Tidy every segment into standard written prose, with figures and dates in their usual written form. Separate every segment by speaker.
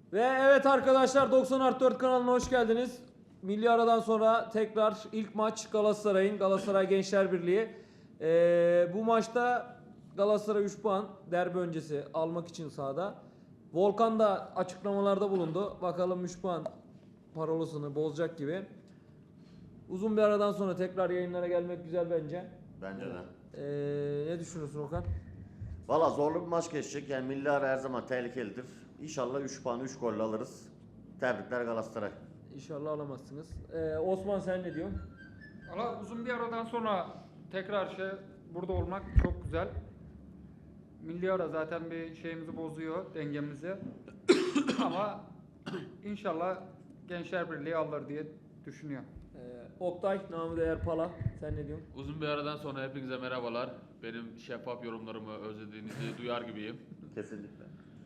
Speaker 1: Ve evet arkadaşlar 90+4 kanalına hoş geldiniz. Milli aradan sonra tekrar ilk maç Galatasaray Gençler Birliği. Bu maçta Galatasaray 3 puan derbi öncesi almak için sahada. Volkan da açıklamalarda bulundu. Bakalım 3 puan parolasını bozacak gibi. Uzun bir aradan sonra tekrar yayınlara gelmek güzel bence.
Speaker 2: Bence de.
Speaker 1: Ne düşünüyorsun Okan?
Speaker 2: Valla zorlu bir maç geçecek. Yani milli ara her zaman tehlikelidir. İnşallah 3 puan 3 golle alırız. Tebrikler Galatasaray.
Speaker 1: İnşallah alamazsınız. Osman sen ne diyorsun?
Speaker 3: Valla uzun bir aradan sonra tekrar burada olmak çok güzel. Milli ara zaten bir şeyimizi bozuyor, dengemizi. Ama inşallah Gençler Birliği alır diye düşünüyorum.
Speaker 1: Oktay, namı değer Pala. Sen ne diyorsun?
Speaker 4: Uzun bir aradan sonra hepinize merhabalar. Benim şeffaf yorumlarımı özlediğinizi duyar gibiyim.
Speaker 2: Kesinlikle.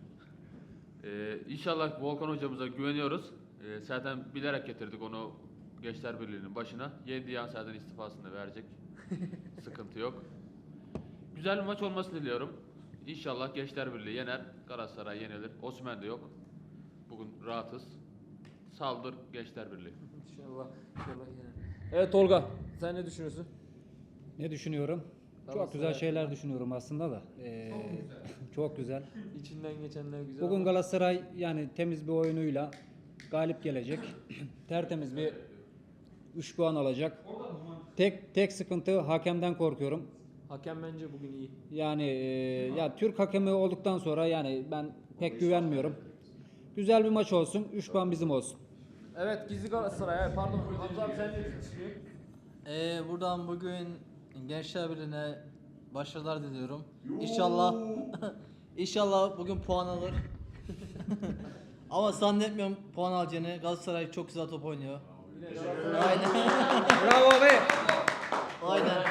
Speaker 4: İnşallah Volkan hocamıza güveniyoruz. Zaten bilerek getirdik onu Gençler Birliği'nin başına. Yendiği an zaten istifasını verecek. Sıkıntı yok. Güzel bir maç olmasını diliyorum. İnşallah Gençler Birliği yener, Galatasaray yenilir. Osimhen de yok. Bugün rahatız. Saldır Gençler Birliği.
Speaker 1: İnşallah yine. Evet Tolga, sen ne düşünüyorsun?
Speaker 5: Ne düşünüyorum?
Speaker 1: Galatasaray
Speaker 5: Çok güzel şeyler düşünüyorum aslında da. Çok güzel.
Speaker 1: İçinden geçenler güzel.
Speaker 5: Bugün
Speaker 1: ama-
Speaker 5: Galatasaray yani temiz bir oyunuyla galip gelecek. Tertemiz bir 3 puan alacak. Tek sıkıntı hakemden korkuyorum.
Speaker 1: Hakem bence bugün iyi.
Speaker 5: Yani ya Türk hakemi olduktan sonra yani ben pek güvenmiyorum. Güzel bir maç olsun. 3 puan bizim olsun.
Speaker 1: Evet Gizli Galatasaray. Evet, pardon Hamza abi sen ne düşünüyorsun?
Speaker 6: Buradan bugün Gençler Birliği'ne başarılar diliyorum. İnşallah inşallah bugün puan alır. Ama zannetmiyorum puan alacağını. Galatasaray çok güzel top oynuyor. Aynen.
Speaker 1: Bravo be.
Speaker 6: Aynen.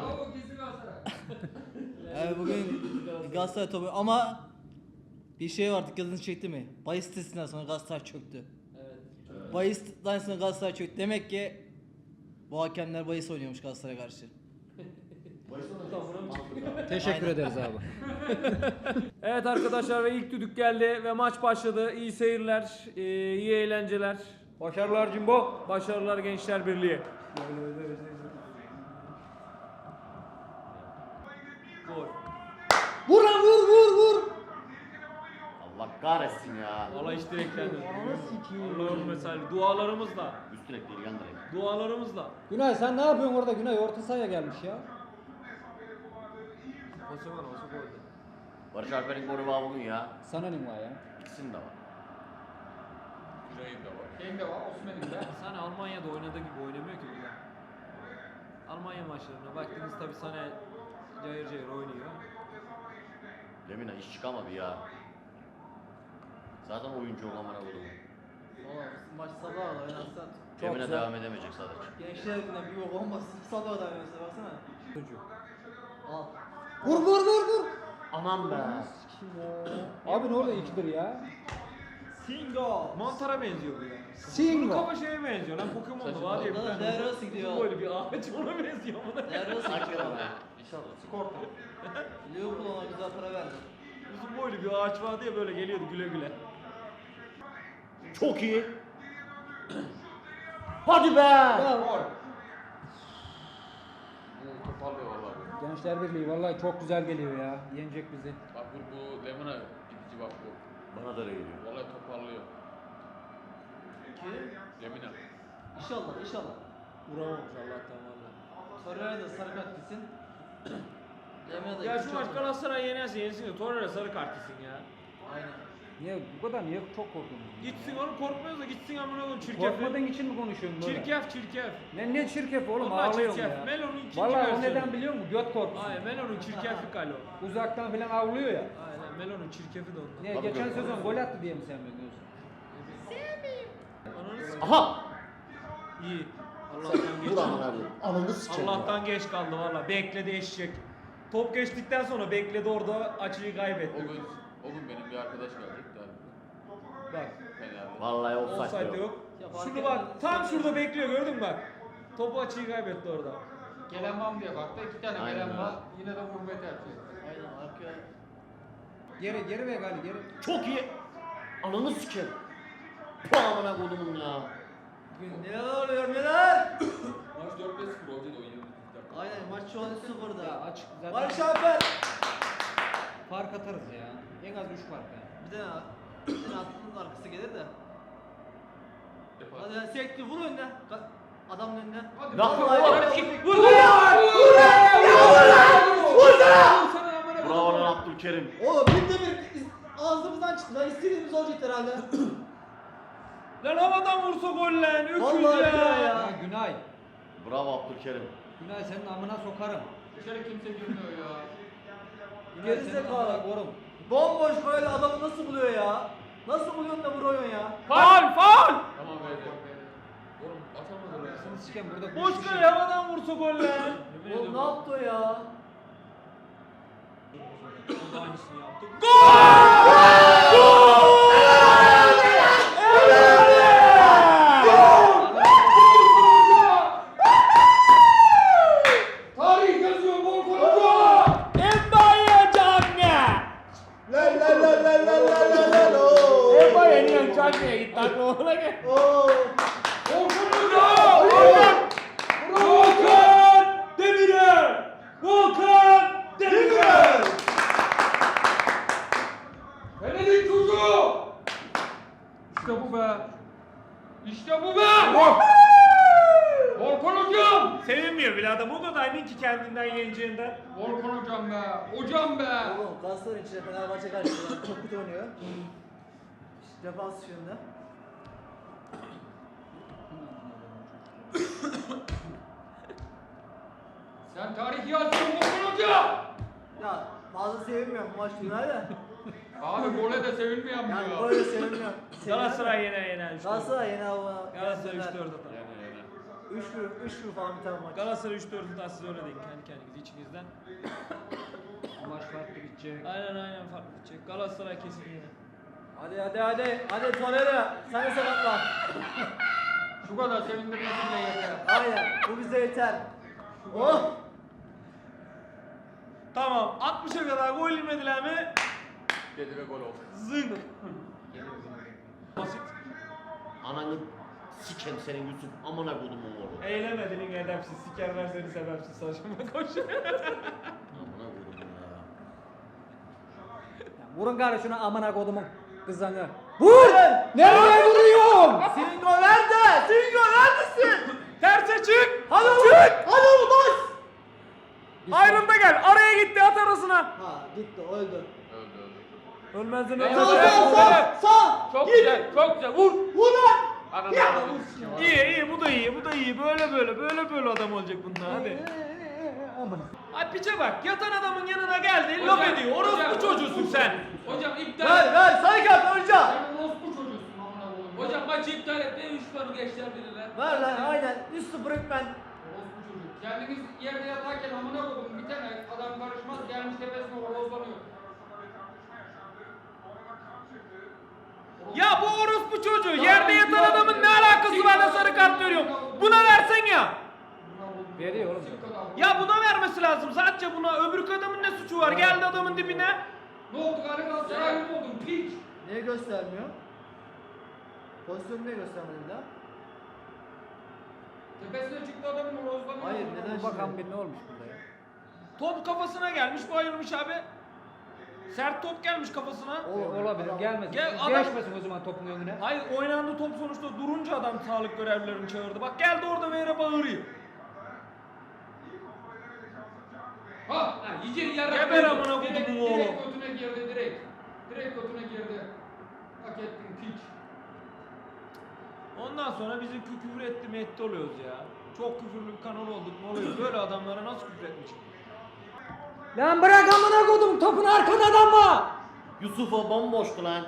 Speaker 6: Bugün Galatasaray topu ama bir şey var, dikkatinizi çekti mi? Bahis sitesinden sonra Galatasaray çöktü.
Speaker 1: Evet.
Speaker 6: Bahis'ten sonra Galatasaray çöktü. Demek ki bu hakemler bahis oynuyormuş Galatasaray'a karşı.
Speaker 5: Teşekkür
Speaker 6: Aynen.
Speaker 5: ederiz abi.
Speaker 1: Evet arkadaşlar ve ilk düdük geldi ve maç başladı. İyi seyirler, iyi eğlenceler. Başarılar Cimbo. Başarılar Gençler Birliği. Gol.
Speaker 6: Vur lan vur!
Speaker 2: Allah kahretsin ya.
Speaker 1: Valla hiç direklendi. Allah'ım mesela dualarımızla.
Speaker 2: Üst direk değil yan direk.
Speaker 1: Dualarımızla.
Speaker 5: Günay sen ne yapıyorsun orada? Günay orta sahaya gelmiş ya.
Speaker 1: Osman olsa golde.
Speaker 2: Barış Alper'in golü var bugün ya.
Speaker 5: Sana ne var ya?
Speaker 2: İkisinin de var.
Speaker 4: Güney'in de var.
Speaker 3: Şeyim de var, Osman'ın da.
Speaker 1: Sana Almanya'da oynadığı gibi oynamıyor ki burada. Almanya maçlarına baktınız tabi sana cayır cayır oynuyor.
Speaker 2: Lemina iş çıkamadı ya. Zaten oyuncu yok amına koyduğum.
Speaker 6: Valla maç sabah da oynarsan
Speaker 2: Lemina devam edemeyecek sadece.
Speaker 6: Gençler Birliği'ne bir yok olmasın. Sabah da oynarsa baksana.
Speaker 1: Çocuk.
Speaker 6: Al.
Speaker 5: Vur!
Speaker 2: Aman be.
Speaker 5: Abi ne oluyor 2-1 ya?
Speaker 6: Singo.
Speaker 1: Mantara benziyor bu ya. Bunun
Speaker 5: Singo.
Speaker 1: kafa şeye benziyor lan Pokemon'da var ya bir
Speaker 6: Saçma.
Speaker 1: tane.
Speaker 6: Devre gidiyor.
Speaker 1: Böyle bir ağaç ona benziyor buna.
Speaker 6: Nerede
Speaker 2: Hakikaten
Speaker 6: olsun?
Speaker 2: be. İnşallah.
Speaker 3: Skorta.
Speaker 6: Liverpool ona güzel para verdi.
Speaker 1: Uzun boylu bir ağaç vardı ya böyle geliyordu güle güle.
Speaker 2: Çok iyi. Hadi be.
Speaker 4: Bu toparlıyor vallahi.
Speaker 5: Gençler Birliği vallahi çok güzel geliyor ya. Yenecek bizi.
Speaker 4: Bak bu Lemina gidici bak bu.
Speaker 2: Bana da öyle geliyor.
Speaker 4: Vallahi toparlıyor.
Speaker 6: Kim?
Speaker 4: Lemina.
Speaker 6: İnşallah.
Speaker 1: Vuramamış Allah'tan valla.
Speaker 6: Torreira da sarı kart gitsin. Lemina da
Speaker 1: Ya
Speaker 6: iki
Speaker 1: şu maç
Speaker 6: çok-
Speaker 1: Galatasaray yenerse yensin de Torreira sarı kart gitsin ya.
Speaker 6: Aynen.
Speaker 5: Niye çok korkuyorsun?
Speaker 1: Gitsin oğlum korkmuyoruz da gitsin amına koyayım çirkef.
Speaker 5: Korkmadığın için mi konuşuyorsun böyle?
Speaker 1: Çirkef.
Speaker 5: Ne çirkef oğlum
Speaker 1: Vallahi
Speaker 5: ağlıyorum
Speaker 1: çirkef.
Speaker 5: ya.
Speaker 1: Melo'nun ikinci
Speaker 5: Vallahi o
Speaker 1: versiyonu.
Speaker 5: neden biliyor musun? Göt korkusu.
Speaker 1: Aynen Melo'nun çirkeflik hali o.
Speaker 5: Uzaktan falan avlıyor ya.
Speaker 1: Aynen Melo'nun çirkefi de ondan.
Speaker 5: Niye
Speaker 2: Tabii
Speaker 5: geçen
Speaker 2: göt
Speaker 5: sezon gol attı diye mi sevmiyorsun?
Speaker 1: Ananı s-
Speaker 2: Aha.
Speaker 1: İyi. Allah'tan geç.
Speaker 2: Vur amına koyayım. Ananı sikeyim.
Speaker 1: Allah'tan geç kaldı valla. Bekledi eşek. Top geçtikten sonra bekledi orada açıyı kaybetti.
Speaker 4: O gün benim bir arkadaş gelecek de.
Speaker 1: Bak.
Speaker 4: Fener'de.
Speaker 2: Vallahi
Speaker 1: Offside
Speaker 2: offside
Speaker 1: de
Speaker 2: yok.
Speaker 1: yok.
Speaker 6: Ya fark
Speaker 1: Şunu
Speaker 6: etmez.
Speaker 1: bak. Tam şurada bekliyor gördün mü bak. Topu açıyı kaybetti orada.
Speaker 3: Gelen var mı diye baktı. 2 tane
Speaker 2: Aynen
Speaker 3: gelen
Speaker 2: öyle.
Speaker 3: var. Yine de vurmayı tercih etti.
Speaker 6: Aynen arkaya.
Speaker 5: Geri ver gali geri.
Speaker 2: Çok iyi. Ananı sikeyim. Bu amına kodumun ya.
Speaker 6: Bugün neler oluyor neler?
Speaker 4: Maç 4-5-0 oldu o 20.
Speaker 6: Aynen maç şu an 0'da.
Speaker 5: Ya açık zaten
Speaker 6: Barış Alper.
Speaker 5: fark atarız ya. En az 3 fark yani.
Speaker 6: Bir tane bir tane attığınız arkası gelir de. Hadi sekti vur önüne. Adamın önüne.
Speaker 3: Hadi.
Speaker 2: Lan
Speaker 3: Vur!
Speaker 2: Bravo lan Abdülkerim.
Speaker 6: Oğlum bir ağzımızdan çıktı lan istediğimiz olacaktı herhalde.
Speaker 1: Lan havadan vursa gol lan. Öküz
Speaker 6: Vallahi
Speaker 1: ya.
Speaker 6: billahi ya.
Speaker 5: Ya Günay.
Speaker 2: Bravo Abdülkerim.
Speaker 5: Günay senin amına sokarım.
Speaker 3: Dışarı kimse girmiyor ya.
Speaker 5: Günay senin
Speaker 6: Gerizekalı.
Speaker 5: amına korum.
Speaker 6: Bomboş böyle adamı nasıl buluyor ya? Nasıl buluyorsun da vuruyorsun ya?
Speaker 1: Faul faul.
Speaker 4: Tamam verdi. Oğlum atamadı ya.
Speaker 5: Seni siken burada
Speaker 1: Boş
Speaker 5: kişi-
Speaker 1: kale havadan vursa gol lan.
Speaker 6: Oğlum ne yaptı o ya?
Speaker 1: Aynısını yaptık.
Speaker 3: Tarih yazıyor Volkan Hoca!
Speaker 1: Embaye canne.
Speaker 2: La la la la la la la la la.
Speaker 1: Embaye niye canneye gitti aklına gel.
Speaker 2: Oo.
Speaker 3: Volkan Hoca!
Speaker 1: Volkan Demirel. Volkan Demirel.
Speaker 3: Fener'in çocuğu! İşte bu be! İşte bu be! Volkan Hocam!
Speaker 1: Sevinmiyor bile adam o kadar emin ki kendinden yeneceğinden.
Speaker 3: Volkan Hocam be! Hocam be!
Speaker 6: Oğlum Galatasaray içinde Fenerbahçe karşısında çok kötü oynuyor. Defans yönünde.
Speaker 3: Sen tarih yazıyorsun Volkan Hoca!
Speaker 6: Ya fazla sevinmiyorum bu maç günler de.
Speaker 3: Abi gole de sevinmeyen mi
Speaker 6: Yani
Speaker 3: ya?
Speaker 6: böyle sevinmiyorum.
Speaker 1: Galatasaray yener.
Speaker 6: Galatasaray yine hava.
Speaker 1: Galatasaray 3-4 atar.
Speaker 6: 3-1 falan bir tane maç.
Speaker 1: Galatasaray 3-4 atar siz öyle deyin kendi kendinize içinizden.
Speaker 5: Maç farklı bitecek.
Speaker 1: Aynen fark edecek. Galatasaray kesin yener.
Speaker 6: Hadi Toneri sen de sakatlan.
Speaker 3: Şu kadar sevindirmesiyle yeter.
Speaker 6: Aynen bu bize yeter. Oh!
Speaker 1: Tamam 60'a kadar gol yemediler mi?
Speaker 4: Dedi ve gol oldu.
Speaker 1: Zınk. Basit.
Speaker 2: Ananı sikeyim senin Yusuf. Amına kodumun oğlu.
Speaker 1: Eylemedin edepsiz. Sikerler seni sebepsiz saçma koş.
Speaker 2: Amına kodumun ya.
Speaker 5: Ya vurun gari şuna amına kodumun kızanı. Vur! Nereye vuruyorsun?
Speaker 6: Singo nerede? Singo neredesin?
Speaker 1: Terse çık.
Speaker 6: Hadi oğlum! Hadi oğlum bas!
Speaker 1: Ayrılda gel. Araya gitti at arasına.
Speaker 6: Ha gitti öldü.
Speaker 4: Öldü öldü.
Speaker 1: Ölmezden
Speaker 3: Sağ,
Speaker 1: ölmez.
Speaker 6: Sağ!
Speaker 4: Çok güzel, çok güzel. Vur.
Speaker 6: Vur lan!
Speaker 4: Ananı
Speaker 6: Ya!
Speaker 4: avradını
Speaker 1: İyi bu da iyi. Böyle adam olacak bunlar hadi. Ay piçe bak. Yatan adamın yanına geldi. Laf ediyor. Orospu çocuğusun sen.
Speaker 3: Hocam iptal
Speaker 6: Ver
Speaker 3: et.
Speaker 6: ver sarı kart önce!
Speaker 3: Sen orospu çocuğusun amına koyayım.
Speaker 7: Hocam maçı iptal et. Ne 3 puanı geçtiler birine.
Speaker 6: Ver lan aynen 3-0 hükmen.
Speaker 3: Orospu çocuk. Kendiniz yerde yatarken amına koydum bir tane adam karışmaz gelmiş tepesine horozlanıyor.
Speaker 1: Ya bu orospu çocuğu. Yerde yatan adamın ne alakası var da sarı kart veriyor. Buna versen ya.
Speaker 5: Veriyor oğlum.
Speaker 1: Ya buna vermesi lazım. Sadece buna. Öbür adamın ne suçu var? Geldi adamın dibine.
Speaker 3: Ne oldu galiba Galatasaray mı oldun piç?
Speaker 6: Niye göstermiyor? Pozisyonu niye göstermedi bir daha?
Speaker 3: Tepesine çıktı adamın horozlanıyor.
Speaker 6: Hayır, neden?
Speaker 5: Bakan bir ne olmuş burada ya?
Speaker 1: Top kafasına gelmiş. Bayılmış abi. Sert top gelmiş kafasına.
Speaker 5: Olabilir gelmesin.
Speaker 1: Gel, adam-
Speaker 5: Geçmesin o zaman topun önüne.
Speaker 1: Hayır oynandı top sonuçta durunca adam sağlık görevlilerini çağırdı. Bak geldi orada ve yere bağırıyor.
Speaker 3: Ha!
Speaker 7: Yiyecek yarak.
Speaker 1: Geber amına
Speaker 3: Direkt,
Speaker 1: kodumun oğlu.
Speaker 3: direkt götüne girdi direkt. Direkt götüne girdi. Hak ettin piç.
Speaker 1: Ondan sonra bizi küfür etti mi etti oluyoruz ya. Çok küfürlü bir kanal olduk ne oluyor? Böyle adamlara nasıl küfür etmiş?
Speaker 5: Lan bırak amına kodum topun arkada adam var.
Speaker 2: Yusuf'a bomboştu lan.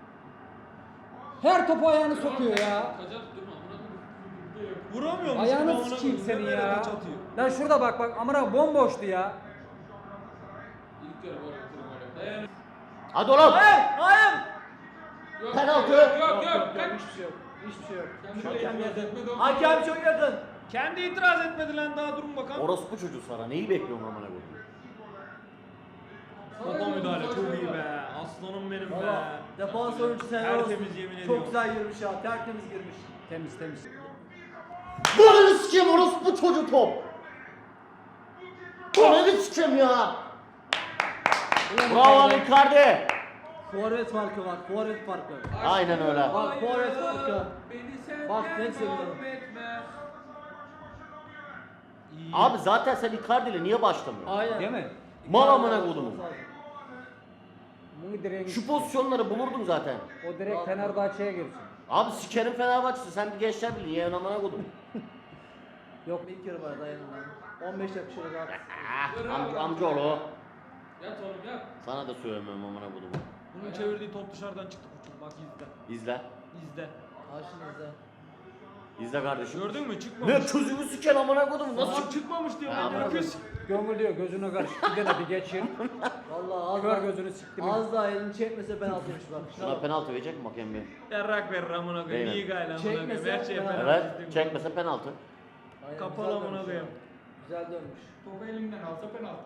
Speaker 5: Her topu ayağını sokuyor ya.
Speaker 7: Kaçar tutturma. Amına koyayım.
Speaker 1: Vuramıyor musun?
Speaker 5: Ayağını
Speaker 1: Amına
Speaker 5: sikeyim
Speaker 1: koyayım,
Speaker 5: seni
Speaker 1: ne böyle
Speaker 5: ya.
Speaker 1: kaç atıyor?
Speaker 5: Lan şurada bak amına bomboştu ya.
Speaker 7: İlk yarı gol attırım öyle. Dayan.
Speaker 2: Hadi oğlum.
Speaker 6: Hayır!
Speaker 7: Yok,
Speaker 2: Penaltı.
Speaker 7: Yok.
Speaker 6: Hiçbir şey yok. Hiçbir şey yok.
Speaker 3: Kendi
Speaker 6: Hakem
Speaker 3: itiraz
Speaker 6: yakın.
Speaker 3: etmedi, o
Speaker 6: Hakem çok yakın.
Speaker 1: Kendi itiraz etmedi lan daha durun bakalım.
Speaker 2: Orospu çocuğu sana. Neyi bekliyorsun amına koyayım?
Speaker 1: Topa müdahale çok iyi be. Az Aslanım benim be.
Speaker 6: Valla defans oyuncusu helal olsun.
Speaker 1: Tertemiz yemin
Speaker 6: Çok
Speaker 1: ediyorum.
Speaker 6: güzel girmiş ya. Tertemiz girmiş.
Speaker 5: Temiz temiz.
Speaker 2: Bana sikeyim orospu çocuğu top. Bana sikeyim ya. Bravo Icardi.
Speaker 6: Forvet farkı var. Forvet farkı.
Speaker 2: Aynen öyle.
Speaker 6: Bak forvet farkı.
Speaker 1: Beni senden
Speaker 6: Bak, ne seviyorum.
Speaker 1: mahvetme. İyi.
Speaker 2: Abi zaten sen Icardi ile niye başlamıyorsun?
Speaker 6: Aynen.
Speaker 5: Değil mi?
Speaker 2: Mal amına kodumun.
Speaker 5: Bunu direkt
Speaker 2: Şu pozisyonları bulurdum zaten.
Speaker 5: o direkt Fenerbahçe'ye girsin.
Speaker 2: Abi sikerim Fenerbahçe'si, sen bir Gençler Birliği yeğen amına kodum.
Speaker 6: Yok bir kere var dayanın lan. 15 dakika şöyle daha.
Speaker 2: Amcaoğlu.
Speaker 7: Yat oğlum yat.
Speaker 2: Sana da söylemiyorum amına kodumu.
Speaker 1: Bunun çevirdiği top dışarıdan çıktı koçum. Bak izle.
Speaker 2: İzle.
Speaker 1: İzle.
Speaker 6: Karşınızda.
Speaker 2: İzle kardeşim.
Speaker 1: Gördün mü? Çıkmamış.
Speaker 2: Ne közümü siken amına kodum, nasıl
Speaker 1: Nasıl
Speaker 2: çık?
Speaker 1: çıkmamış diyor.
Speaker 2: Ha,
Speaker 1: Ben de
Speaker 2: anladım.
Speaker 1: öküz.
Speaker 5: Gömül diyor gözüne karşı bir tane bir geçir.
Speaker 6: Valla az
Speaker 5: Kör
Speaker 6: daha,
Speaker 5: gözünü siktim.
Speaker 6: az daha elini çekmese penaltıymış bak.
Speaker 2: Şuna penaltı verecek mi hakem bir?
Speaker 1: Yarrak verir amına koyayım.
Speaker 2: Değil mi?
Speaker 1: İyi gayla amına koyayım.
Speaker 6: Çekmese
Speaker 1: Her şeye
Speaker 6: penaltı.
Speaker 1: penaltı
Speaker 2: Evet,
Speaker 1: izledim.
Speaker 2: çekmese penaltı.
Speaker 6: Aynen,
Speaker 1: Kapalı
Speaker 6: güzel
Speaker 1: amına
Speaker 6: dönmüş
Speaker 1: koyayım.
Speaker 6: ya. Güzel dönmüş.
Speaker 3: Topu elimden alsa penaltı.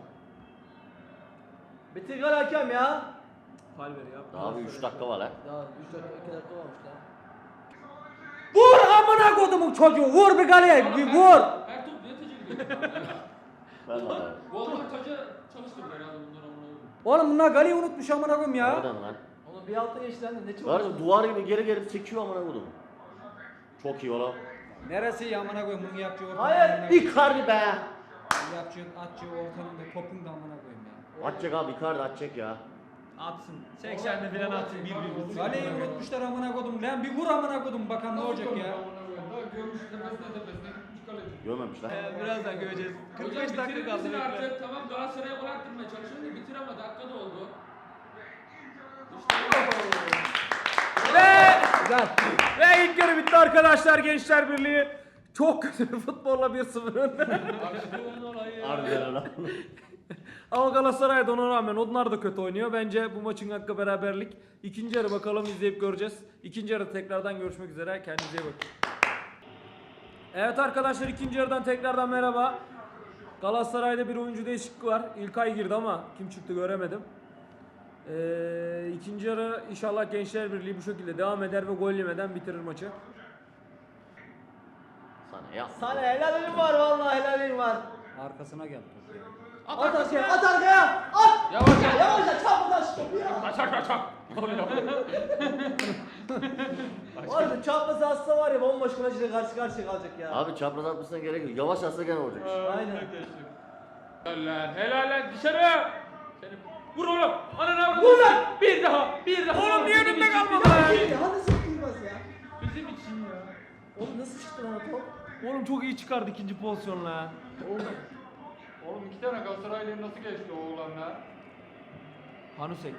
Speaker 6: Bitir gol hakem ya.
Speaker 1: Fal ver ya.
Speaker 2: Daha bir 3 dakika var ha.
Speaker 6: Ya 3 dakika 2 dakika varmış lan.
Speaker 5: Vur amına kodumun çocuğu. Vur bir kaleye. Bir vur.
Speaker 7: Her top niye tecil ediyor?
Speaker 2: Ben de var.
Speaker 7: Golden taca çalıştırdı herhalde bunlar amına koyayım.
Speaker 5: Oğlum bunlar kaleyi unutmuş amına koyayım ya.
Speaker 2: Nereden lan?
Speaker 6: Onun bir altı geçti lan de ne çok.
Speaker 2: Gördün duvar gibi geri geri çekiyor amına kodum. Çok iyi oğlum.
Speaker 5: Neresi ya amına koyayım bunu yapacağı ortanın.
Speaker 6: Hayır,
Speaker 5: amına koyayım.
Speaker 2: Icardi be.
Speaker 5: Yapacağı atacağı ortanın da topun da amına koyayım ya.
Speaker 2: Atacak abi, Icardi atacak ya.
Speaker 1: Atsın. 80'de falan atsın. 1-1.
Speaker 5: Kaleyi unutmuşlar amına kodum. Lan bir vur amına kodum bakalım ne olacak ya.
Speaker 7: Daha görmüş tepesine tepesine gitmiş kaleci.
Speaker 2: Görmemişler.
Speaker 1: Birazdan göreceğiz. 45
Speaker 7: Hocam
Speaker 1: dakika
Speaker 7: bitirir
Speaker 1: kaldı.
Speaker 7: misin
Speaker 1: bekle.
Speaker 7: artık? Tamam Galatasaray'a gol attırmaya çalışıyorsun da bitir ama dakika da oldu.
Speaker 1: Ve
Speaker 5: Güzel.
Speaker 1: Ve ilk yarı bitti arkadaşlar. Gençler Birliği çok kötü bir futbolla 1-0 önde.
Speaker 2: Harbiden öyle.
Speaker 1: Ama Galatasaray da ona rağmen onlar da kötü oynuyor. Bence bu maçın hakkı beraberlik. İkinci yarı bakalım izleyip göreceğiz. İkinci yarı tekrardan görüşmek üzere. Kendinize iyi bakın. Evet arkadaşlar ikinci yarıdan tekrardan merhaba. Galatasaray'da bir oyuncu değişikliği var. İlkay girdi ama kim çıktı göremedim. İkinci yarı inşallah Gençler Birliği bu şekilde devam eder ve gol yemeden bitirir maçı.
Speaker 2: Sana ya.
Speaker 6: Sana helalin var vallahi helalin var.
Speaker 5: Arkasına gel top ya.
Speaker 6: At arkaya, at arkaya. At.
Speaker 7: Yavaş yavaş.
Speaker 6: Yavaşça çap taş topu ya. Var ya çapması atsa var ya bomboş kaleciyle karşı karşıya kalacak ya.
Speaker 2: Abi çapraz atmasına gerek yok. Yavaş atsa gene olacak.
Speaker 6: Aynen.
Speaker 7: Helal lan dışarı. Seni vur oğlum. Anana
Speaker 6: Vur lan.
Speaker 7: Bir daha. Bir daha.
Speaker 1: Oğlum niye önümde
Speaker 7: Bizim için,
Speaker 1: kalmadı lan?
Speaker 6: Hadi sıkılmaz ya.
Speaker 7: Bizim için ya.
Speaker 6: Oğlum nasıl çıktı lan o top?
Speaker 1: Oğlum çok iyi çıkardı ikinci pozisyonla.
Speaker 3: Oğlum 2 tane Galatasaraylı nasıl geçti o oğlanla?
Speaker 1: Hanusek.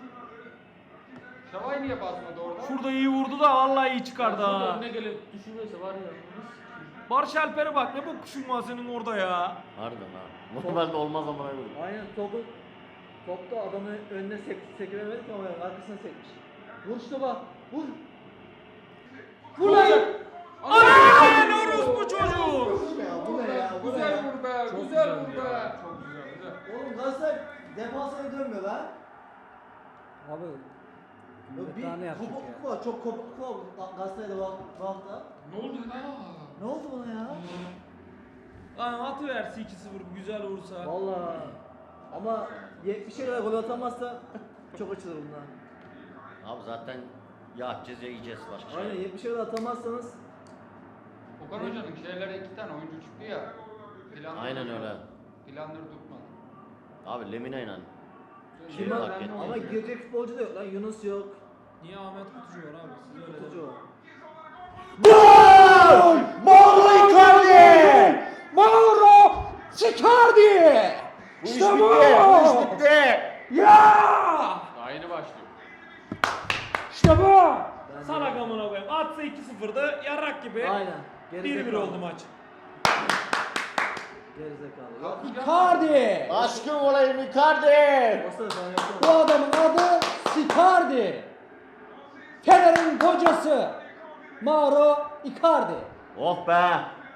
Speaker 3: Şavay niye basmadı orada?
Speaker 1: Şurada iyi vurdu da vallahi iyi çıkardı
Speaker 7: Şurada
Speaker 1: ha.
Speaker 7: önüne gelip düşürürse var ya.
Speaker 1: Barış Alper'e bak ne bu kuşun var senin orada ya.
Speaker 2: Harbiden ha. Normalde olmaz amına koyayım.
Speaker 6: Aynen topta adamı önüne sekiremedik ama yani arkasına sekmiş. Vur şu topa. Vur. Vur lan.
Speaker 1: Aaa ne orospu çocuğu.
Speaker 6: Bu ne ya? Bu ne ya? Bu ne
Speaker 3: Güzel
Speaker 6: ya?
Speaker 3: vur be.
Speaker 1: Çok
Speaker 3: Güzel
Speaker 1: güzel
Speaker 3: vur
Speaker 1: ya.
Speaker 3: be. Çok güzel güzel.
Speaker 6: Oğlum Galatasaray defansına dönmüyor lan.
Speaker 5: Abi.
Speaker 6: Bir
Speaker 5: Bir tane yapacak
Speaker 6: kopukluk
Speaker 5: ya.
Speaker 6: var. Çok kopukluk var bu Galatasaray'da bu hafta.
Speaker 7: Ne oldu lan?
Speaker 6: Ne oldu buna ya?
Speaker 1: Lan atıverse 2-0 güzel vursa.
Speaker 6: Vallahi ama 70'e kadar gol atamazsa çok açılır bundan.
Speaker 2: Abi zaten ya atacağız ya yiyeceğiz başka şey.
Speaker 6: Aynen 70'e kadar atamazsanız
Speaker 3: Okan Hoca'nın şeylere 2 tane oyuncu çıktı ya. Planları
Speaker 2: Aynen
Speaker 3: tutmadı.
Speaker 2: öyle.
Speaker 3: Planları tutmadı.
Speaker 2: Abi Lemina inan.
Speaker 3: Şey
Speaker 2: Kim
Speaker 3: fark
Speaker 2: fark
Speaker 3: etti?
Speaker 2: etti?
Speaker 6: ama girecek futbolcu da yok lan. Yunus yok.
Speaker 1: Niye Ahmet Kutucu var abi? Siz öyle
Speaker 6: Kutucu
Speaker 1: deyin.
Speaker 6: yok.
Speaker 2: Gol! Mauro Icardi!
Speaker 5: Mauro Icardi!
Speaker 2: Bu iş bitti. Bu iş bitti.
Speaker 5: Ya!
Speaker 3: Daha yeni başlıyor.
Speaker 5: İşte bu!
Speaker 1: Salak amına koyayım. Atsa 2-0'dı yarrak gibi.
Speaker 6: Aynen.
Speaker 1: 1-1 oldu maç.
Speaker 6: Gerizekalı. Yok.
Speaker 5: Icardi!
Speaker 2: Aşkım olayım Icardi!
Speaker 6: Olsa da sen yoksun.
Speaker 5: Bu adamın adı Icardi. Fener'in kocası Mauro Icardi.
Speaker 2: Oh be!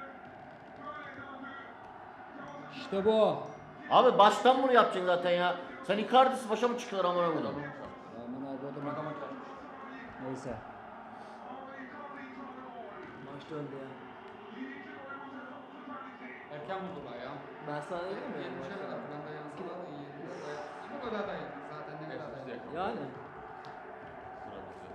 Speaker 5: İşte bu.
Speaker 2: Abi baştan bunu yapacaksın zaten ya. Sen Icardi'si başa mı çıkılır amına koyayım?
Speaker 5: neredeyse.
Speaker 6: Maç döndü ya.
Speaker 3: Erken buldular ya.
Speaker 6: Ben sana dedim mi?
Speaker 3: 70'e kadar falan da yansılar da iyi. Bu kadar da yedik zaten ne kadar da
Speaker 4: Biz de
Speaker 3: yedik.
Speaker 4: yakaladık.
Speaker 6: Yani.
Speaker 4: Sıra bizde.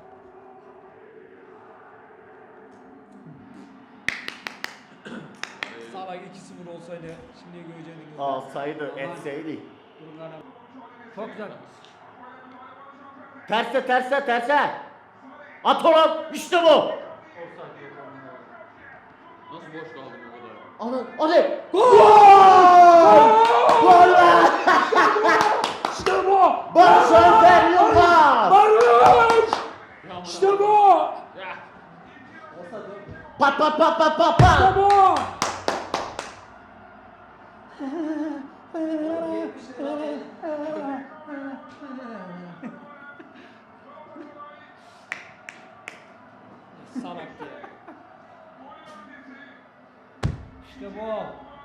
Speaker 1: Salak 2-0 olsaydı şimdi göreceğiniz.
Speaker 2: Alsaydı, etseydi.
Speaker 5: Durumlarına çok güzel.
Speaker 2: Terse terse terse. At oğlum, işte bu.
Speaker 3: Offside yok
Speaker 4: Nasıl boş kaldık o kadar?
Speaker 2: Ana, hadi. Gol! Gol be!
Speaker 1: İşte bu!
Speaker 2: Barış Alper Yılmaz!
Speaker 1: Barış!
Speaker 4: Ya
Speaker 1: İşte bu!
Speaker 4: Ya.
Speaker 6: Olsa dön.
Speaker 2: Pat pat pat pat pat
Speaker 1: İşte
Speaker 2: pat!
Speaker 1: bu! Salak ya. İşte bu.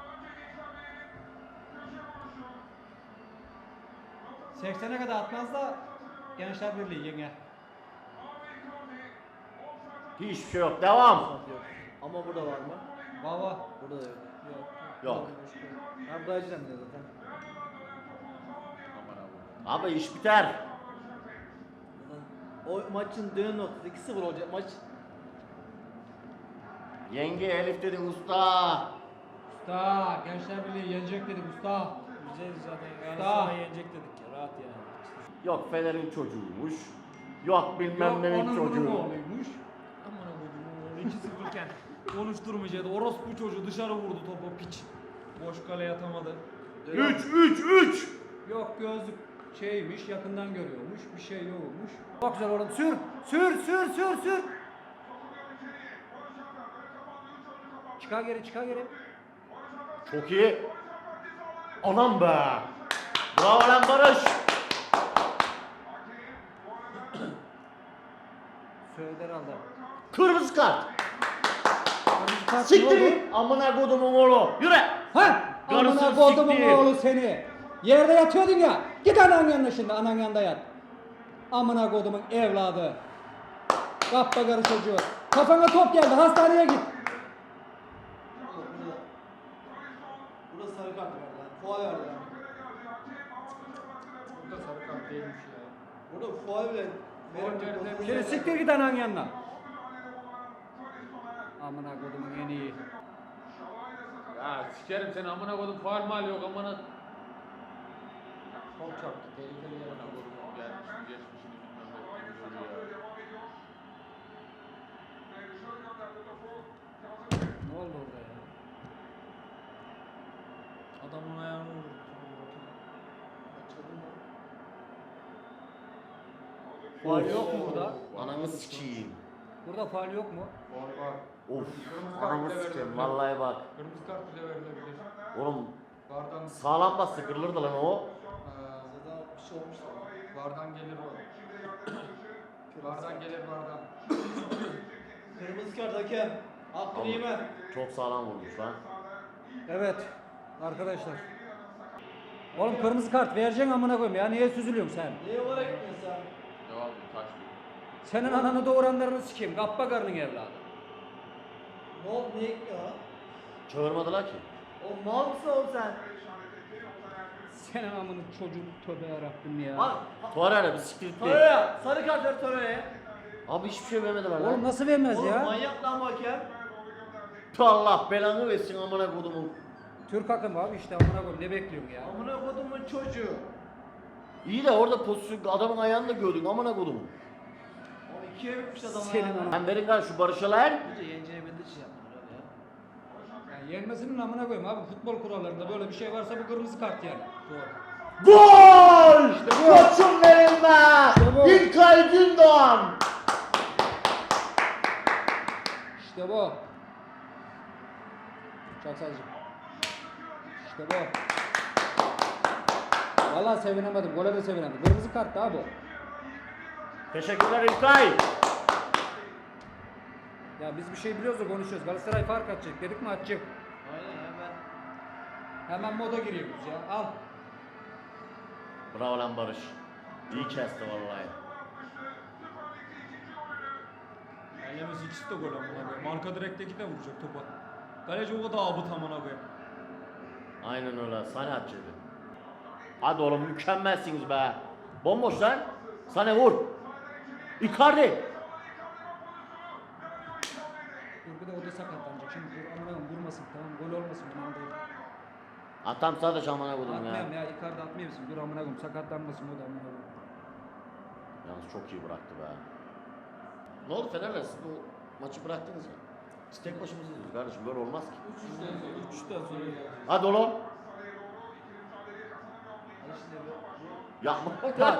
Speaker 5: ...80'e kadar atmaz da Gençler Birliği yenge.
Speaker 2: Hiçbir şey yok, devam.
Speaker 6: Yok. Ama burada var mı?
Speaker 5: Baba.
Speaker 6: Burada da yok.
Speaker 2: Yok.
Speaker 6: Ben Brezilya diyor zaten.
Speaker 4: Aman abi.
Speaker 2: Abi iş biter.
Speaker 6: O maçın dönüm noktası 2-0 olacak maç.
Speaker 2: Yenge Elif dedin usta.
Speaker 5: Usta, Gençler Birliği yenecek dedik usta.
Speaker 1: Güzel zaten.
Speaker 5: Usta.
Speaker 1: Galatasaray yenecek dedik ya. Rahat yani.
Speaker 2: Yok Fener'in çocuğuymuş. Yok bilmem nenin
Speaker 5: onun bunun
Speaker 2: çocuğu.
Speaker 5: oğluymuş.
Speaker 1: Aman Allah'ım 2-0 iken konuşturmayacaktı. Orospu çocuğu dışarı vurdu topu piç. Boş kaleye atamadı.
Speaker 2: 3-3-3.
Speaker 5: Yok gözlük şeymiş, yakından görüyormuş, bir şey yokmuş. Çok güzel oğlum, sür, sür, sür, sür, sür. Çıkar geri, çıkar geri.
Speaker 2: Çok iyi. Anam be. Bravo lan Barış.
Speaker 5: Söyledi herhalde.
Speaker 2: Kırmızı kart.
Speaker 5: Kırmızı kart
Speaker 2: Siktir
Speaker 5: ne oldu?
Speaker 2: git. Amına kodumun oğlu. Yürü.
Speaker 5: Ha!
Speaker 2: Karısını
Speaker 5: Amına kodumun
Speaker 2: siktir.
Speaker 5: oğlu seni. Yerde yatıyordun ya. Git anan yanına şimdi, anan yanında yat. Amına kodumun evladı. Kappa karı çocuğu. Kafana top geldi, hastaneye git.
Speaker 6: Burada sarı kart verdi lan. Fuay verdi lan.
Speaker 3: Burada sarı kart değilmiş ya.
Speaker 6: Burada fuay bile
Speaker 3: Korner'de
Speaker 5: Şimdi siktir git anan yanına. Amına kodumun en iyi.
Speaker 4: Ya sikerim seni amına koydum faul mal yok amına.
Speaker 3: Çok çarptı. Tehlikeli yere
Speaker 4: Amına koydum gelmişini geçmişini bilmem ne ettiğini ya.
Speaker 5: Ne oldu orada ya?
Speaker 1: Adamın ayağını vurdu.
Speaker 5: Faul yok mu burada?
Speaker 2: Ananı sikeyim.
Speaker 5: Burada faul yok mu?
Speaker 3: Var var.
Speaker 2: Of.
Speaker 3: Kırmızı kart
Speaker 2: Ananı
Speaker 3: bile
Speaker 2: sikeyim.
Speaker 3: verilebilir.
Speaker 2: Vallahi bak.
Speaker 3: Kırmızı kart bile verilebilir.
Speaker 2: Oğlum
Speaker 3: Vardan
Speaker 2: sağlam bassa kırılırdı lan o.
Speaker 6: Zaten bir şey olmuş da.
Speaker 3: vardan gelir o. Vardan gelir vardan.
Speaker 6: Kırmızı kart hakem. Hakkını
Speaker 2: Ama-
Speaker 6: yeme.
Speaker 2: Çok sağlam vurmuş lan.
Speaker 5: Evet. Arkadaşlar. Oğlum kırmızı kart vereceksin amına koyayım ya. Niye süzülüyorsun sen?
Speaker 6: Niye oraya gitmiyorsun sen?
Speaker 4: Devam et taş diyor.
Speaker 5: Senin ananı doğuranlarını sikeyim. Kappa karının evladı.
Speaker 6: Ne oldu? Niye gitmiyor lan?
Speaker 2: Çağırmadılar ki.
Speaker 6: O mal mısın oğlum sen?
Speaker 5: Senin amını çocuğun tövbe yarabbim ya.
Speaker 6: Bak.
Speaker 2: Torreira bir siktir git.
Speaker 6: Torreira. Sarı kart ver Torreira'ya.
Speaker 2: Abi hiçbir şey vermediler
Speaker 5: Oğlum
Speaker 2: lan.
Speaker 5: nasıl vermez
Speaker 6: Oğlum
Speaker 5: ya?
Speaker 6: manyak lan bu hakem.
Speaker 2: Allah belanı versin amına kodumun.
Speaker 5: Türk hakkım abi işte amına koyayım ne bekliyorsun ya?
Speaker 6: Amına kodumun çocuğu.
Speaker 2: İyi de orada pozisyon adamın ayağını da gördün amına kodumun.
Speaker 6: Oğlum ikiye bitmiş adam
Speaker 5: Senin
Speaker 6: ayağına.
Speaker 5: ananı-
Speaker 2: Ben verin lan şu Barış'a lan.
Speaker 6: Bence yeneceğini bildiği için yaptılar abi ya.
Speaker 5: Yani yenmesinin amına koyayım abi. Futbol kurallarında böyle bir şey varsa bu kırmızı kart yani. Doğru.
Speaker 2: Gol!
Speaker 5: bu.
Speaker 2: Koçum benim be!
Speaker 5: bu.
Speaker 2: İlkay Gündoğan!
Speaker 5: İşte bu. Çok sadece. İşte bu. Vallahi sevinemedim. Gole de sevinemedim. Kırmızı kart daha bu.
Speaker 2: Teşekkürler İlkay.
Speaker 5: Ya biz bir şey biliyoruz da konuşuyoruz. Galatasaray fark atacak. Dedik mi atacak.
Speaker 6: Aynen hemen.
Speaker 5: Hemen moda giriyoruz ya. Al.
Speaker 2: Bravo lan Barış. İyi kesti vallahi.
Speaker 1: Yemesi ikisi de gol amına koyayım. Arka direkteki de vuracak topa. Kaleci o kadar abut amına koyayım.
Speaker 2: Aynen öyle. Sane atacak. Hadi oğlum mükemmelsiniz be. Bomboş lan. Sane vur. Icardi.
Speaker 5: Dur bir de o da sakatlanacak. Şimdi dur amına koyayım vurmasın tamam gol olmasın önemli değil.
Speaker 2: Atam sadece amına koydum
Speaker 5: Atmayayım
Speaker 2: ya.
Speaker 5: ya Icardi atmayabilirsin. Dur amına koyayım sakatlanmasın o da amına koyayım.
Speaker 2: Yalnız çok iyi bıraktı be. Ne oldu Fener'le siz bu maçı bıraktınız ya? Biz tek başımıza izliyoruz kardeşim böyle olmaz ki.
Speaker 1: 3'ten sonra geldi.
Speaker 2: Hadi oğlum. Yapma.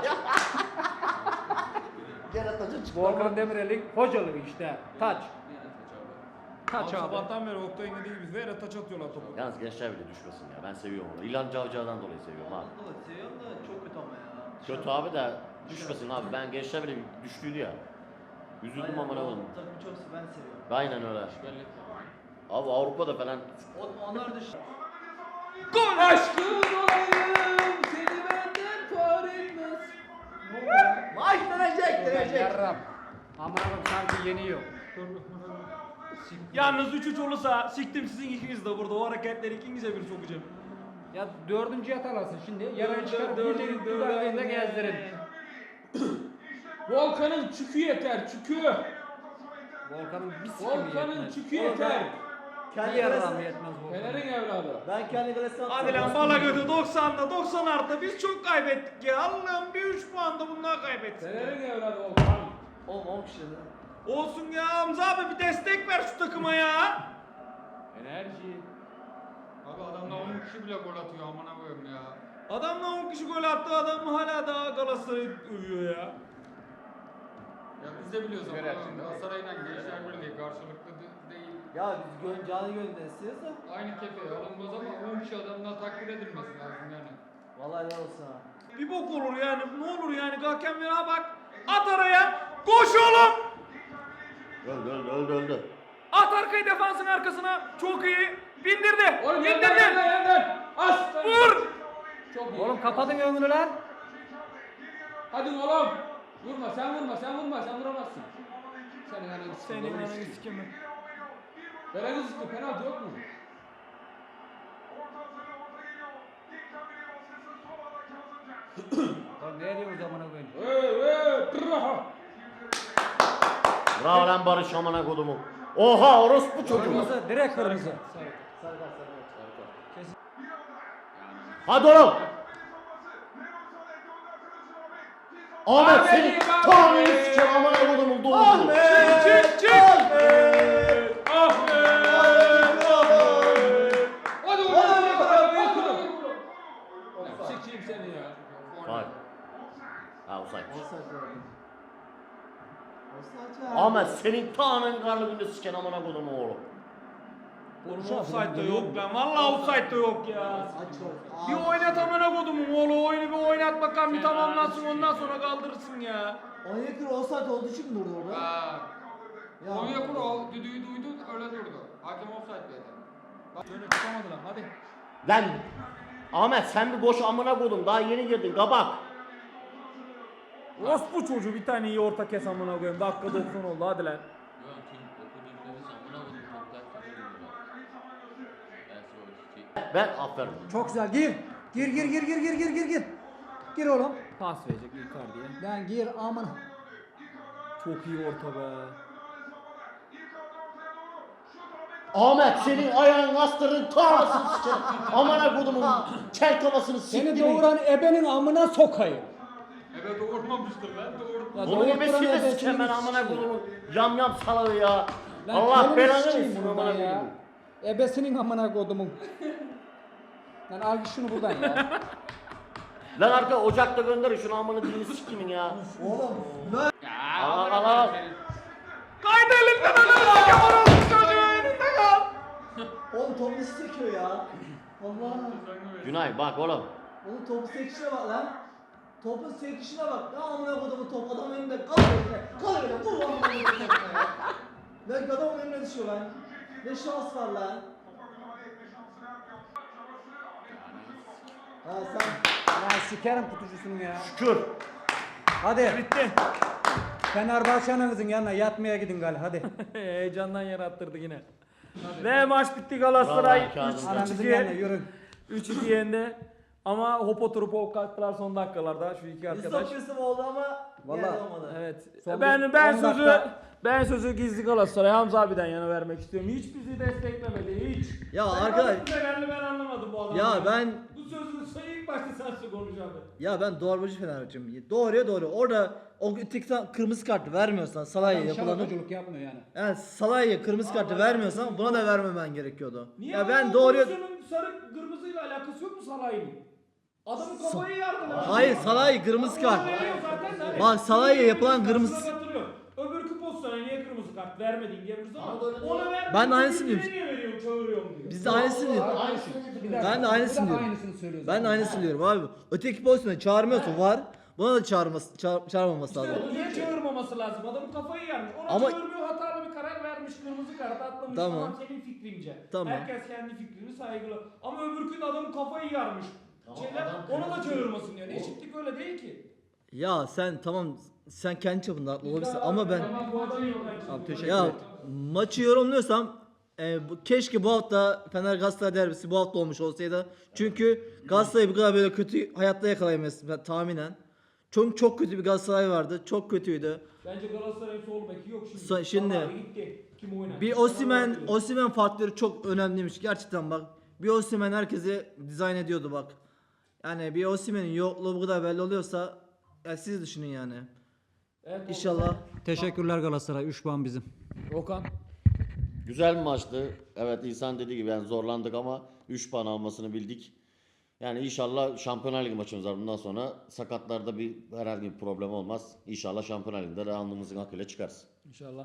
Speaker 2: Gene taca çıktı.
Speaker 5: Volkan Demirel'in hocalığı işte. Taç. Taç
Speaker 1: Abi
Speaker 5: abi.
Speaker 1: sabahtan beri Oktay'ın dediği gibi vere taç atıyorlar topu.
Speaker 2: Yalnız gençler bile düşmesin ya. Ben seviyorum onu. İlhan Cavcav'dan dolayı seviyorum abi.
Speaker 6: Seviyorum da çok kötü ama ya.
Speaker 2: Kötü abi de düşmesin abi. Ben gençler bile düştüydü ya. Üzüldüm amına koyayım.
Speaker 6: Takımı çok ben seviyorum.
Speaker 2: Aynen öyle. Abi Avrupa'da falan
Speaker 6: Onlar dış.
Speaker 1: Gol aşkın olayım seni benden far etmez.
Speaker 6: Maç dönecek.
Speaker 5: Yarram. Amına koyayım sanki yeniyor.
Speaker 1: Yalnız 3-3 olursa siktim sizin ikiniz de burada. O hareketleri ikinize bir sokacağım.
Speaker 5: Ya dördüncü atalasın şimdi. Yarın çıkarıp
Speaker 1: Dördüncü
Speaker 5: gecenin dudağında gezdirin.
Speaker 7: Volkan'ın çükü yeter, çükü.
Speaker 5: Volkan'ın bir sikimi
Speaker 7: Volkan'ın
Speaker 5: yetmez.
Speaker 7: çükü yeter.
Speaker 5: Bir yarram yetmez Volkan'ın.
Speaker 7: Fener'in evladı.
Speaker 6: Ben kendi kalesine attım.
Speaker 1: Hadi lan bala götü 90'da 90 artı biz çok kaybettik ya. Allah'ım bir 3 puan da bunlar kaybettik.
Speaker 7: Fener'in evladı Volkan.
Speaker 6: Oğlum 10 kişi.
Speaker 1: Olsun ya Hamza abi bir destek ver şu takıma ya.
Speaker 7: Enerji.
Speaker 3: Abi adamlar 10 kişi bile gol atıyor amına koyayım ya.
Speaker 1: Adamla 10 kişi gol attı adam hala daha Galatasaray'ı övüyor ya.
Speaker 3: Ya biz de biliyoruz ama
Speaker 7: Verersin, değil mi?
Speaker 3: Galatasaray'la Gençler Birliği karşılıklı değil.
Speaker 6: Ya biz canı gönülden istiyoruz da.
Speaker 3: Aynı kefeye alınmaz ama 10 kişi adamdan takdir edilmesi lazım yani.
Speaker 6: Vallahi helal olsun ha.
Speaker 1: Bir bok olur yani ne olur yani hakem ver ha bak. At araya koş oğlum.
Speaker 2: öldü.
Speaker 1: At arkayı defansın arkasına çok iyi. Bindirdi.
Speaker 7: Oğlum
Speaker 1: Bindirdi.
Speaker 7: yerden. Aslan.
Speaker 1: Vur.
Speaker 7: Çok iyi.
Speaker 5: Oğlum kapatın önünü lan.
Speaker 7: Hadi oğlum. Vurma sen vuramazsın. Senin ananı sikeyim.
Speaker 1: Senin
Speaker 7: Oğlum
Speaker 1: ananı
Speaker 7: sikeyim.
Speaker 1: sikeyim.
Speaker 7: Fener'in sikeyim. Penaltı yok mu?
Speaker 5: Lan ne diyorsunuz amına koyayım?
Speaker 7: Tırraha.
Speaker 2: Bravo lan Barış amına kodumu. Oha orospu çocuğu.
Speaker 5: Kırmızı, direkt kırmızı.
Speaker 6: Sarı kart.
Speaker 2: Hadi oğlum. Ahmet seni tanrıyı sikeyim amına kodumu doğru.
Speaker 1: Çık çık. Ah be.
Speaker 7: Hadi oğlum. Sikeyim seni ya.
Speaker 2: Bak. Ha uzak.
Speaker 6: Offside var. Offside var.
Speaker 2: Ahmet senin tanrın karnı günde siken amına kodumu oğlum.
Speaker 1: Oğlum offside'da yok lan. Vallahi offside'da yok ya.
Speaker 6: Aç ol.
Speaker 1: Bir oynat amına kodumu oğlu. Oyunu bir oynat bakalım bir tamamlansın ondan sonra kaldırırsın ya.
Speaker 6: Onyekuru offside olduğu için mi durdu orada?
Speaker 3: Ha.
Speaker 6: Ya.
Speaker 3: Onyekuru o düdüğü duydu öyle durdu. Hakem offside dedi.
Speaker 1: Şöyle çıkamadı lan hadi.
Speaker 2: Lan Ahmet sen bir boş amına kodum daha yeni girdin kabak.
Speaker 1: Orospu çocuğu bir tane iyi orta kes amına koyayım. Dakika 90 oldu hadi lan.
Speaker 4: Yok tüm okuduğum nefes amına koydum çok ters gidiyor.
Speaker 2: Ben aferin.
Speaker 5: Çok güzel gir. Gir. Gir oğlum. Pas verecek Icardi'ye. Lan gir aman.
Speaker 1: Çok iyi orta be.
Speaker 2: Ahmet senin ayağın astırın tarlasını siken. Amına kodumun kel kafasını
Speaker 5: Seni
Speaker 2: siktir.
Speaker 5: doğuran ebenin amına sokayım.
Speaker 3: Evet doğurmamıştır lan doğurdu.
Speaker 5: Ya
Speaker 2: Bunu
Speaker 5: doğurtturan
Speaker 2: ebesini de
Speaker 5: ebesini
Speaker 2: siken ben amına
Speaker 5: sikeyim.
Speaker 2: kodumun yam salağı ya.
Speaker 5: Lan
Speaker 2: Allah
Speaker 5: kelini
Speaker 2: belanı
Speaker 5: sikeyim
Speaker 2: versin
Speaker 5: bunu
Speaker 2: amına
Speaker 5: ben ya.
Speaker 2: kodumun.
Speaker 5: Ebesinin amına kodumun. Lan al git şunu buradan ya.
Speaker 2: Lan arka ocakta gönderin şunu amına dilini sikimin ya.
Speaker 6: Oğlum. Lan.
Speaker 3: Ya
Speaker 2: Al.
Speaker 1: Kaydı elinden alın. Hakem orospu çocuğu önünde kal.
Speaker 6: Oğlum top nasıl sekiyor ya? Allah.
Speaker 2: Günay bak oğlum.
Speaker 6: Oğlum topun sekişine bak lan. Topun sekişine bak. Ne amına kodumu top adam önünde kal öyle. Kal öyle. Vur amına kodumu topuna ya. Lan adam önüne düşüyor lan. Ne şans var lan. Ha sen.
Speaker 5: Lan sikerim kutucusunu ya.
Speaker 2: Şükür.
Speaker 5: Hadi.
Speaker 1: Bitti.
Speaker 5: Fenerbahçe'nin kızın yanına yatmaya gidin gal hadi.
Speaker 1: Heyecandan yer attırdı yine. Ve maç bitti, Galatasaray
Speaker 2: Bravo, Kazım.
Speaker 5: Ananızın yanına
Speaker 1: 3-2
Speaker 5: yürü.
Speaker 1: 3-2 yendi. Ama hop oturup hop kalktılar son dakikalarda şu iki arkadaş.
Speaker 6: oldu ama
Speaker 5: Vallahi.
Speaker 6: yerde olmadı.
Speaker 1: Evet.
Speaker 5: Son
Speaker 1: Ben
Speaker 5: bir-
Speaker 1: ben
Speaker 5: 10
Speaker 1: sözü
Speaker 5: dakika.
Speaker 1: ben sözü gizli Galatasaray Hamza abiden yana vermek istiyorum. Hiç bizi desteklemedi hiç.
Speaker 6: Ya
Speaker 1: Ben
Speaker 6: arkadaş-
Speaker 1: nasıl Fenerli ben anlamadım bu adamı.
Speaker 6: Ya ben
Speaker 1: Bu sözün ilk başta sen konuş abi.
Speaker 6: ya ben doğrucu Fenerbahçe'yim. Doğruya doğru. Orada o öteki kırmızı kartı vermiyorsan Salah'a yapılanı.
Speaker 5: Şarkıcılık yapmıyor yani.
Speaker 6: Yani Salah'a kırmızı kartı vermiyorsan buna da vermemen gerekiyordu.
Speaker 1: Niye
Speaker 6: ya ben
Speaker 1: bu
Speaker 6: doğruya
Speaker 1: pozisyonun sarı kırmızıyla alakası yok mu Salah'ın? Adamın kafayı yardılar.
Speaker 6: Hayır, Salah'a kırmızı kart. Bak, Salah'a yapılan kırmızı-
Speaker 1: Öbürkü pozisyona niye kırmızı kart vermedin diyebiliriz ama
Speaker 2: Ama böyle
Speaker 1: ona ver.
Speaker 6: Ben de aynısını diyorum.
Speaker 1: Niye veriyorum çağırıyorum diyor.
Speaker 6: Biz de aynısını diyoruz.
Speaker 2: Aynısını
Speaker 5: Bir
Speaker 2: dedim.
Speaker 5: dakika,
Speaker 6: Ben de aynısını
Speaker 5: bu da
Speaker 6: diyorum.
Speaker 5: aynısını söylüyor
Speaker 6: Ben de
Speaker 5: zaten.
Speaker 6: aynısını diyorum abi. Öteki pozisyona çağırmıyorsa var. Buna da çağırmaması lazım.
Speaker 1: İşte niye çağırmaması lazım? Adamın kafayı yarmış. Ona
Speaker 6: Ama-
Speaker 1: çağırmıyor, hatalı bir karar vermiş. Kırmızı kart atlamış.
Speaker 6: Tamam.
Speaker 1: Tamam senin fikrince.
Speaker 6: Tamam.
Speaker 1: Herkes kendi fikrini saygılı. Ama öbürkünün adamın kafayı yarmış.
Speaker 2: Tamam,
Speaker 1: Şeyler,
Speaker 2: adam
Speaker 1: ona da
Speaker 2: kırmızı-
Speaker 1: çağırmasın yani. Eşitlik öyle değil ki.
Speaker 6: Ya sen tamam, sen kendi çapında haklı olabilirsin ama ben
Speaker 1: Tamam, bu adamı yok.
Speaker 5: Abi teşekkür
Speaker 6: ya
Speaker 5: ederim.
Speaker 6: maçı yorumluyorsam keşke bu hafta Fener Galatasaray derbisi bu hafta olmuş olsaydı. Çünkü Galatasaray bu kadar böyle kötü hayatta yakalayamayız tahminen. Çok kötü bir Galatasaray vardı. Çok kötüydü.
Speaker 1: Bence Galatasaray'ın sol beki yok şimdi.
Speaker 6: Şimdi-
Speaker 1: Salah'a gitti. Kim oynar?
Speaker 6: Bir Osimhen faktörü çok önemliymiş gerçekten bak. Bir Osimhen herkesi dizayn ediyordu bak. Yani bir Osimhen'in yokluğu bu kadar belli oluyorsa ya siz düşünün yani.
Speaker 1: Evet,
Speaker 6: İnşallah.
Speaker 5: Teşekkürler Galatasaray. 3 puan bizim.
Speaker 1: Okan.
Speaker 2: Güzel bir maçtı. Evet, İhsan dediği gibi yani zorlandık ama 3 puan almasını bildik. Yani inşallah Şampiyonlar Ligi maçımız var bundan sonra. Sakatlarda herhangi bir problem olmaz. İnşallah Şampiyonlar Ligi'nde de alnımızın hakkıyla çıkarız.
Speaker 1: İnşallah.